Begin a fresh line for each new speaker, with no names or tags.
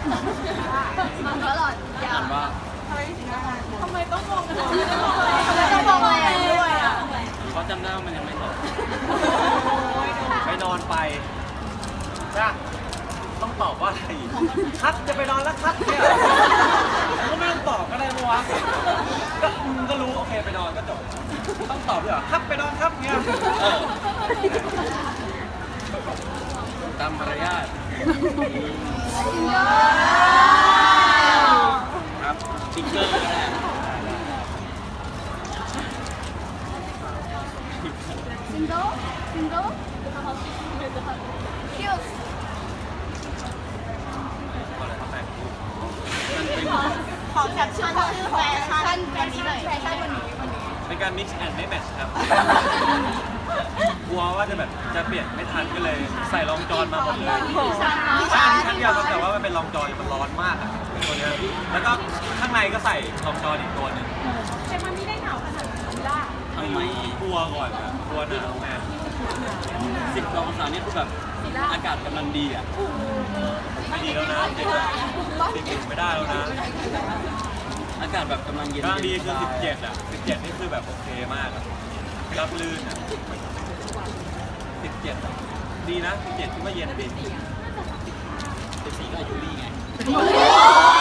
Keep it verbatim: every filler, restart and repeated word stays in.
มันก็หลอดยาว
ว่า
ทำไมต้องมองกันทำไมต้องมองอะไรทำไมต้องมองอะไรด้วยอ่ะ
เขาจำได้ว่ามันยังไม่ตก
ไปนอนไปจ้ะต้องตอบว่าอะไรครับจะไปนอนแล้วครับเนี่ยก็ไม่ต้องตอบก็ได้ปะวะก็อืมก็รู้โอเคไปนอนก็จบต้องตอบด้วยเหรอครับไปนอนครับเนี่ย
เออตามมารยาทครับสติ๊กเกอร์ก็ได้
ซิงเกิลซิงเกิลคิว
มันเป็น
ขอแคปชั่นชื่อแฟชั่นวันนี้หน่อยแฟชั่นวันนี้วันนี้
เป็นการ mix and match ครับกลัวว่าจะแบบจะเปลี่ยนไม่ทันก็เลยใส่รองจอนมาหมดเลย
ชั้น
ใช่ชั้นเดียวครับแต่ว่ามันเป็นรองจอนมันร้อนมากอะตัวเนี้ยแล้วก็ข้างในก็ใส่รองจอนอีกตัวหนึง
แต่มันไม่ได้หนาวขนาดนั้นล่ะ
ทำไม
กลัวก่อนอะกลัวหนาวแม่
สิบองศานี่คือแบบอากาศกำลังดีอ่ะ
ไม่ดีแล้วนะเด็กเด็กๆไม่ได้แล้วนะ
อากาศแบบกำลังเย็น
กำลังดีคือสิบเจ็ดอะสิบเจ็ดนี่คือแบบโอเคมากอะรับลื่นอะสิบเจ็ดอะดีนะสิบเจ็ดคิดว่าเย็นดี
สิบสี่ก็อายุดีไง
โอ้